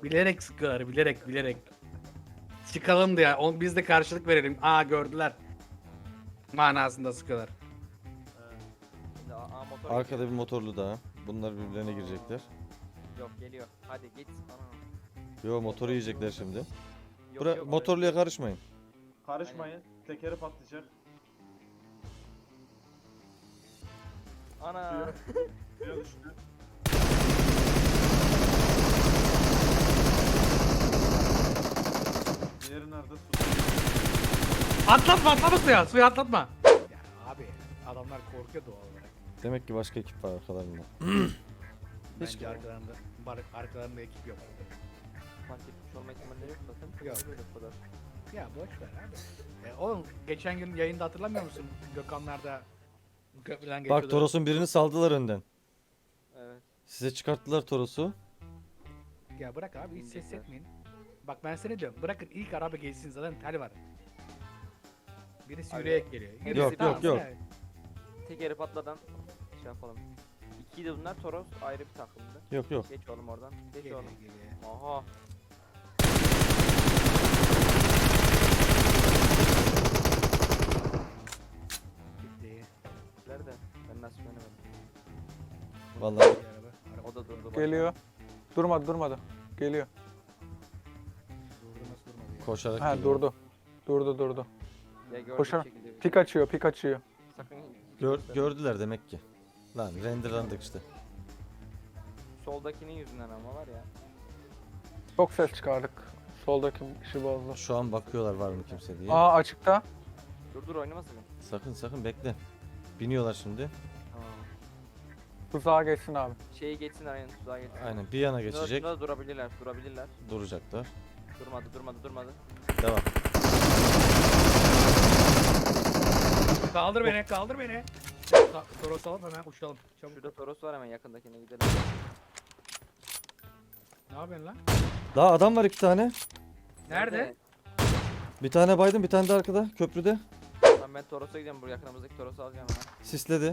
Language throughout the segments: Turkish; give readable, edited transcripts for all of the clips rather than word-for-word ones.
Bilerek sıkıyorlar, bilerek. Çıkalım diye, biz de karşılık verelim. Aa gördüler. Manasında sıkıyorlar. Şimdi motor Arkada geçiyor. bir motorlu daha. Bunlar birbirlerine girecekler. Yok geliyor. Hadi git. Ana. Yo motoru yiyecekler şimdi. Yok, Motorluya karışmayın. Karışmayın. Tekeri patlayacak. Ana. Suya düştü. Diğeri nerede? Su. Atlatma suya atlatma. Ya abi adamlar korkuyor doğal olarak. Demek ki başka ekip var arkalarında. Bence arkalarında ekip yok. Fark etmiş olma ihtimalleri yok zaten. Yok. Böyle bu kadar. Ya boş ver abi. Oğlum geçen gün yayında hatırlamıyor musun? Gökhanlar'da köprüden geçiyordu. Bak Toros'un birini saldılar önden. Evet. Size çıkarttılar Toros'u. Ya bırak abi hiç ses Bilmiyorum. etmeyin. Bak ben sana diyorum bırakın ilk araba geçsin zaten tel var. Birisi Abi, yürüyerek geliyor. yok. yani. Tekeri patladan şey yapalım. İkiydi bunlar. Toros ayrı bir takımdı. Yok. Geç oğlum oradan. Geç Geliyor, oğlum. geliyor. Aha. Gitti. Nerede? Ben nasıl göremedim. Vallahi Bir araba O da durdu. bak. Geliyor. Durmadı. Geliyor. durdu nasıl durmadı ya. koşarak Ha geliyor. durdu. Ya gördüğüm Koşar. şekilde bir- Pik açıyor. Sakın Gördüler demek ki. Lan renderlandık işte. soldakinin yüzünden ama var ya. Çok ses çıkardık. Soldaki kişi bozdu. Şu an bakıyorlar var mı kimse diye. Aa açıkta. Dur oynamasın mı? Sakın bekle. Biniyorlar şimdi. Tamam. Tuzağa geçsin abi. Şeyi geçsin aynen tuzağa geçsin. Aynen bir yana Şurada- geçecek. şurada durabilirler. Duracaklar. Durmadı. Devam. Kaldır beni. Toros alıp hemen uçalım. Çabuk. Şurada Toros var hemen yakındakine gidelim. Ne yapıyorsun lan? Daha adam var 2 tane. Nerede? Bir tane baydım bir tane de arkada köprüde. Lan ben Toros'a gidiyorum. Bu yakınımızdaki Toros'u alacağım hemen. Sisledi.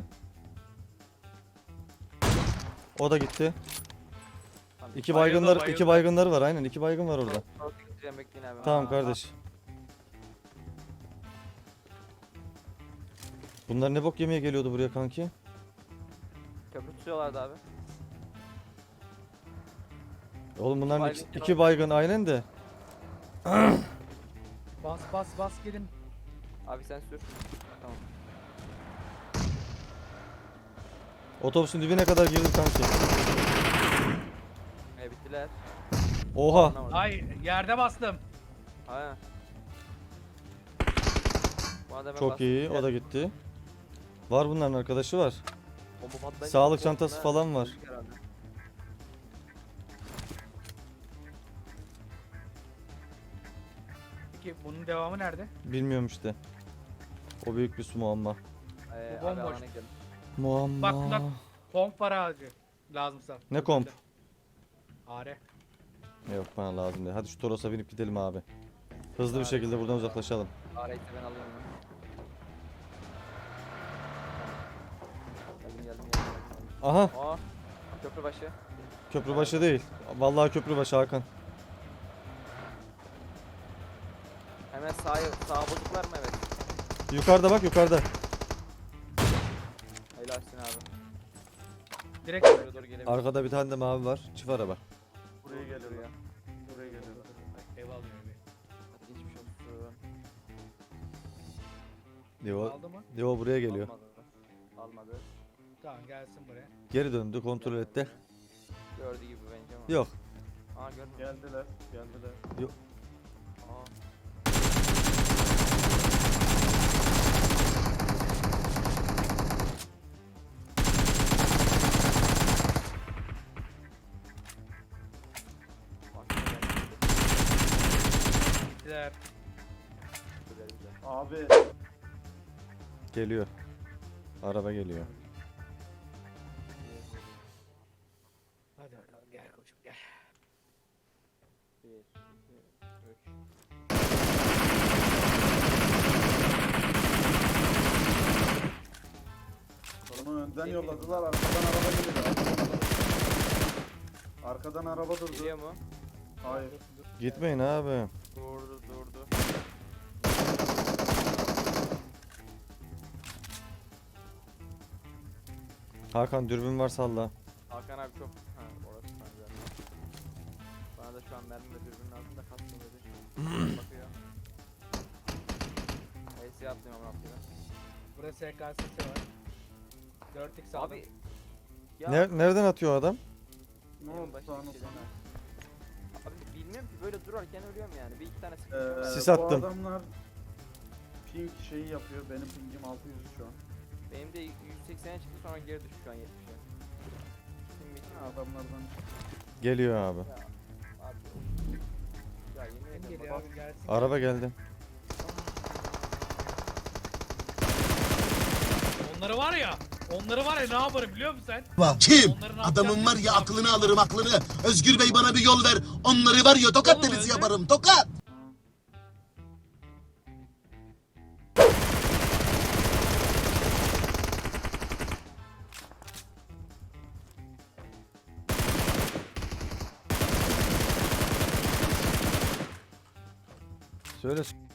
O da gitti. Tamam, İki Bayıldı, baygınlar, bayıldı. iki baygınları var aynen. 2 baygın var orada. Toros'a gideceğim bekleyin abi. Tamam Aa, kardeş. Bunlar ne bok yemeye geliyordu buraya kanki? Köprü tutuyorlardı abi. Oğlum bunların Baygın iki baygın aynen de. Bas gelin. Abi sen sür. Tamam. Otobüsün dibine kadar girdi kanki. Bittiler. Oha. Anlamadım. Ay yerde bastım. Ha. Bu adama Çok bastım. iyi. O da gitti. Var bunların arkadaşı var. Bomba patlayınca Sağlık bomba çantası patlar, falan var. öldük herhalde. Peki bunun devamı nerede? Bilmiyorum işte. O büyük bir muamma. Bu Abi bomboş. alana gidelim. Muamma. Bak bunda komp var ağacı. Lazımsa. Ne komp? Are. Yok bana lazım değil. Hadi şu Toros'a binip gidelim abi. Hızlı bir Abi. şekilde buradan uzaklaşalım. Arayı ben alıyorum. Geldim. Aha Aa. Köprü başı. köprübaşı değil. Vallahi köprübaşı Hakan. Hemen sağa bozuklar mı evet. Yukarıda bak yukarıda. Helalsin abi. Direkt Buraya doğru gelebilir. Arkada bir tane de mavi var. Çift araba. Buraya geliyor. Buraya geliyor. ev almıyor evi. Hadi geçmiş olsun. Leo, Aldı mı? Leo buraya geliyor. Almadı. Tamam gelsin buraya. Geri döndü kontrol etti. Gördüğü gibi bence ama. Yok. Aa gördüm. Geldiler. Aa. Bak, Gittiler. güzel. Abi Geliyor. Araba geliyor. Hadi bakalım gel koçum gel. 1, 2, 3. onu önden yolladılar. Arkadan araba geliyor. Arkadan araba durdu. Geliyor mu? Hayır. Gitmeyin abi. Durdu durdu. Hakan dürbün var salla. Hakan abi çok... Ha orası kanka. Bana da şu an mermi ve dürbün lazım da kastım dedi. Bakıyor. HS'ye atlıyorum ama atlıyorum. Burada SKS'si var. 4x aldım. Abi... Ya Nereden atıyor adam? Ne en oldu başta sana bir şey sana? demez. Abi bilmiyorum ki böyle durarken ölüyorum yani. Bir iki tane sıkıntı var. Sis Bu attım. adamlar ping şeyi yapıyor. Benim pingim 600 şu an. Benim de 180'e çıktı sonra geri düştü şu an 70'e. Kim bitti mi abi? Adamlardan Geliyor abi. Ya abi. Ya yemin Kim ederim geliyor bak. abi gelsin. Araba geldi. Onları var ya ne yaparım biliyor musun sen? Kim? Onların Adamın var ya yapacağını aklını alırım aklını. Özgür Bey bana bir yol ver. Onları var ya tokat Oğlum, denizi öyle. yaparım tokat. Söyle.